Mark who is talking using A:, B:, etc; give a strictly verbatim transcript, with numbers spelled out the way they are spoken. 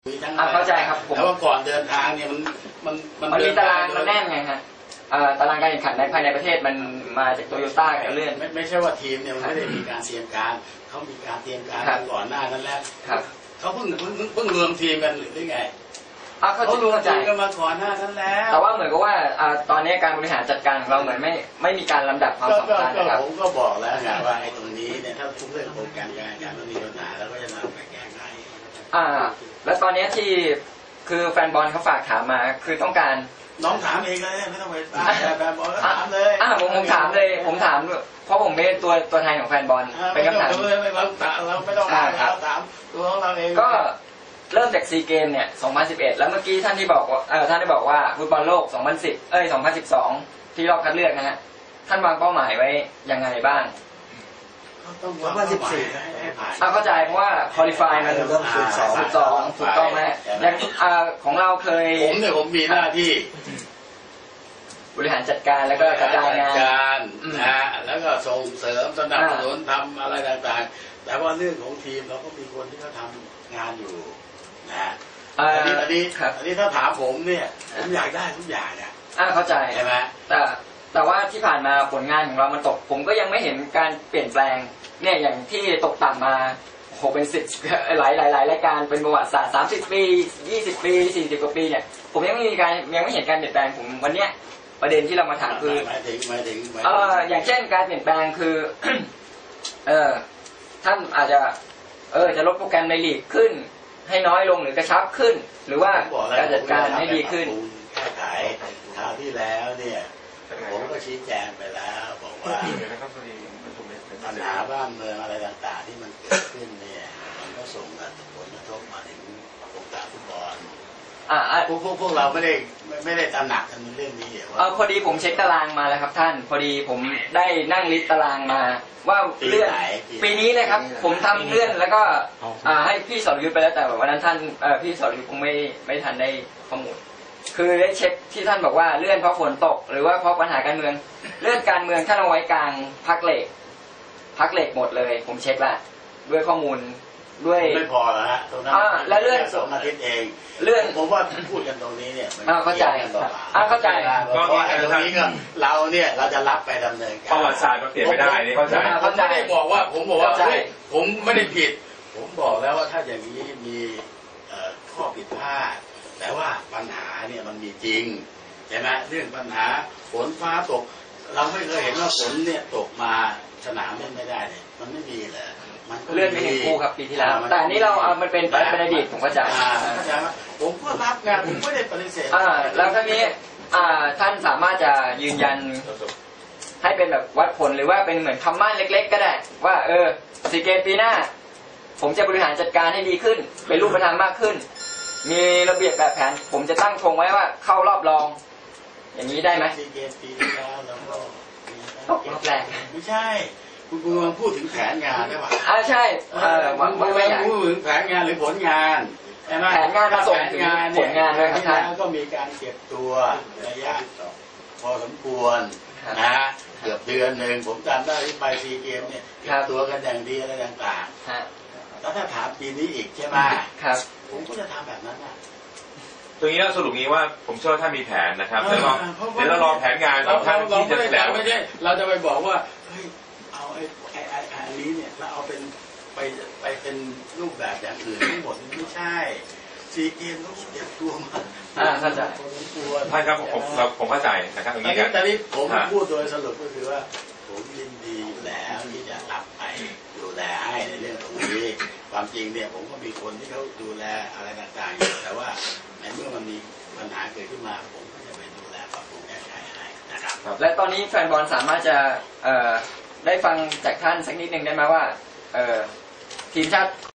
A: เข้าใจครับผม
B: แล้วว่าก่อนเดินทางเนี่ยมันมัน
A: มันมีตารางมันแน่นไงฮะตารางการแข่งขันในภายในประเทศมันมาจากโตโยต้ากับเลื่อน
B: ไม่ไม่ใช่ว่าทีมเนี่ยมันไม่ได้มีการเตรียมการเขามีการเตรียมการก่อนหน้านั้นแล้วเขาเพิ่งเพิ่งเพิ่งรวมทีมกันหรือไง
A: เขา
B: รวมทีมกันมาก่อนหน้านั้นแล้ว
A: แต่ว่าเหมือนกับว่าตอนนี้การบริหารจัดการของเราเหมือนไม่ไม่มีการลำดับความสำคัญนะครับ
B: ผมก็บอกแล้วไงว่าไอ้ตรงนี้เนี่ยถ้าทุกเรื่องโปรแกรมการการมันมีปัญหาแล้วก็จะนำไปแก้ไข
A: อ่าแล้วตอนนี้ที่คือแฟนบอลเขาฝากถามมาคือต้องการ
B: น้องถามเองเลยไม่ต้องไปแฟนบอลถามเลย
A: อ่าผมผมถามเลยผมถามเพราะผมเป็นตัวตัวแทนของแฟนบอลเป็นคำถาม
B: เราไม่ต้องถามเราถามตัวของเราเอง
A: ก็เริ่มจากซีเกมเนี่ยสองพันสิบเอ็ดแล้วเมื่อกี้ท่านที่บอกว่าเออท่านได้บอกว่าฟุตบอลโลกสองพันสิบเอ้ยสองพันสิบสองที่รอบคัดเลือกนะฮะท่านวางเป้าหมายไว้ยังไงบ้าง
B: ต้องสองพันสิบสี่
A: อ่าเข้าใจเพราะว่าคอลิฟายมันสิบสองสิบสองถูกต้องไหมอย่างอ่าของเราเคย
B: ผมเนี่ยผมมีหน้าที่
A: บริหารจัดการแล้วก็กระจายงาน
B: การนะแล้วก็ส่งเสริมสนับสนุนทำอะไรต่างๆแต่ว่าเรื่องของทีมเราก็มีคนที่เขาทำงานอยู่นะอันนี้อันนี้อันนี้ถ้าถามผมเนี่ยผมอยากได้ทุกอย่างเนี่ย
A: อ่าเข้าใจ
B: ใช่ไหม
A: แต่แต่ว่าที่ผ่านมาผลงานของเรามันตกผมก็ยังไม่เห็นการเปลี่ยนแปลงเนี่ยอย่างที่ตกต่ำมาโหเป็นสิบหลายหลายหลายรายการเป็นประวัติศาสตร์สามสิบปียี่สิบปีสี่สิบกว่าปีเนี่ยผมยังไม่มีการยังไม่เห็นการเปลี่ยนแปลงผมวันเนี้ยประเด็นที่เรามาถามคือเอออย่างเช่นการเปลี่ยนแปลงคือเออท่านอาจจะเออจะลดโปรแกรมในลีกขึ้นให้น้อยลงหรือกระชับขึ้นหรือว่าการจัดการให้ดีขึ้น
B: แก้ไขคราวที่แล้วเนี่ยผมก็ชี้แจงไปแล้วบอกว่าปัญหาบ้านเมืองอะไรต่างๆที่มันเกิดขึ้นเนี่ยมันก็ส่งผลกระทบมาถึงวงการฟุตบอล
A: อ่า
B: พวกพวกเราไม่ได้ไม่ได้ตระหนักกันในเรื่องนี้
A: เออพอดีผมเช็คตารางมาแล้วครับท่านพอดีผมได้นั่งลิสต์ตารางมาว่าเลื่อนปีนี้นะครับผมทำเลื่อนแล้วก็อ่าให้พี่สรยุทธไปแล้วแต่วันนั้นท่านเออพี่สรยุทธคงไม่ไม่ทันได้ข้อมูลคือได้เช็คที่ท่านบอกว่าเลื่อนเพราะฝนตกหรือว่าเพราะปัญหาการเมืองเลื่อนการเมืองท่านเอาไว้กลางพักเหล็กพักเหล็กหมดเลยผมเช็คละด้วยข้อมูลด้วย
B: ไม่พอแล้วฮะตรงนั้น
A: แล้วเลื่อน
B: สองอาทิตย์เอง
A: เลื่อน
B: ผมว่าพูดกันตรงนี้เนี่ย
A: อ่าเข้าใจอ่าเข้าใจ
B: เพราะว่าตรงนี้ก็เราเนี่ยเราจะรับไปดำเนินการ
C: ประวัติศาสตร์มันเปลี่ยนไม่ได้นี่เข้าใจ
B: ผมไม่ได้บอกว่าผมบอกว่าผมไม่ได้ผิดผมบอกแล้วว่าถ้าอย่างนี้มีข้อผิดพลาดแต่ว่าปัญหาเนี่ยมันมีจริงใช่ไหมเรื่องปัญหาฝนฟ้าตกเราไม่เคยเห็นว่าฝนเนี่ยตกมาสนามเล่นไม่ได้เลยมันไม่มีเลย
A: มันเลื่อนไปหนึ่งคู่ครับปีที่แล้วแต่อันนี้เราเอามันเป็นเป็นอดีตผมเข้าใจ
B: ผมก็รับงานผมไม่ได้ปฏิเสธ
A: อ่าแล้วทีนี้อ่าท่านสามารถจะยืนยันให้เป็นแบบวัดผลหรือว่าเป็นเหมือนคำมั่นเล็กๆก็ได้ว่าเออซีเกมปีหน้าผมจะบริหารจัดการให้ดีขึ้นเป็นรูปธรรมมากขึ้นมีระเบียบแบบแผนผมจะตั้งธงไว้ว่าเข้ารอบรองอย่างนี้ได้ไหม
B: ซีเกมปีที่แล้วแล้วก็
A: รอบแรก
B: ไม่ใช่คุณคุณมาพูดถึงแผนงานได้ป่ะ
A: อ่าใช่เออ
B: ไม่ไม่พูดถึงแผนงานหรือผลงาน
A: ใช่ไหมแผนงานมาส่งถึงผลงานด้วยครับท่าน
B: ก็มีการเก็บตัวระยะพอสมควรนะเกือบเดือนหนึ่งผมจำได้ที่ไปซีเกมเนี่ยเก็บตัวกันอย่างดีอะไรต่างๆแล้วถ้าถามปีนี้อีกใช่ไหม
A: ครับ
B: ผมก็จะทำแบบนั้นนะ
C: ตรงนี้เราสรุปนี้ว่าผมเชื่อว่าถ้ามีแผนนะครับเดี๋ยวเราเดี๋ยวเรารอแผนงานของท่านที่จะแถลง
B: ไม่ใช่เราจะไปบอกว่าเฮ้ยเอาไอ้ไอ้ไอ้อันนี้เนี่ยเราเอาเป็นไปไปเป็นรูปแบบอย่างอื่นทั้งหมดไม่ใช่ซีเกมต้องเก็บตัวมา
A: อ่าเข้าใจ
C: ท่านครับผมเราผมเข้าใจนะครับตรงนี้ครับ
B: ตอนนี้ผมพูดโดยสรุปก็คือว่าผมยินดีแล้วที่จะรับไปดูแลให้ในเรื่องตรงนี้ความจริงเนี่ยผมก็มีคนที่เขาดูแลอะไรต่างๆอยู่แต่ว่าในเมื่อมันมีปัญหาเกิดขึ้นมาผมก็จะไปดูแลปรับปรุงแก้ไขให้นะครับ
A: และตอนนี้แฟนบอลสามารถจะเอ่อได้ฟังจากท่านสักนิดหนึ่งได้ไหมว่าเอ่อทีมชาติ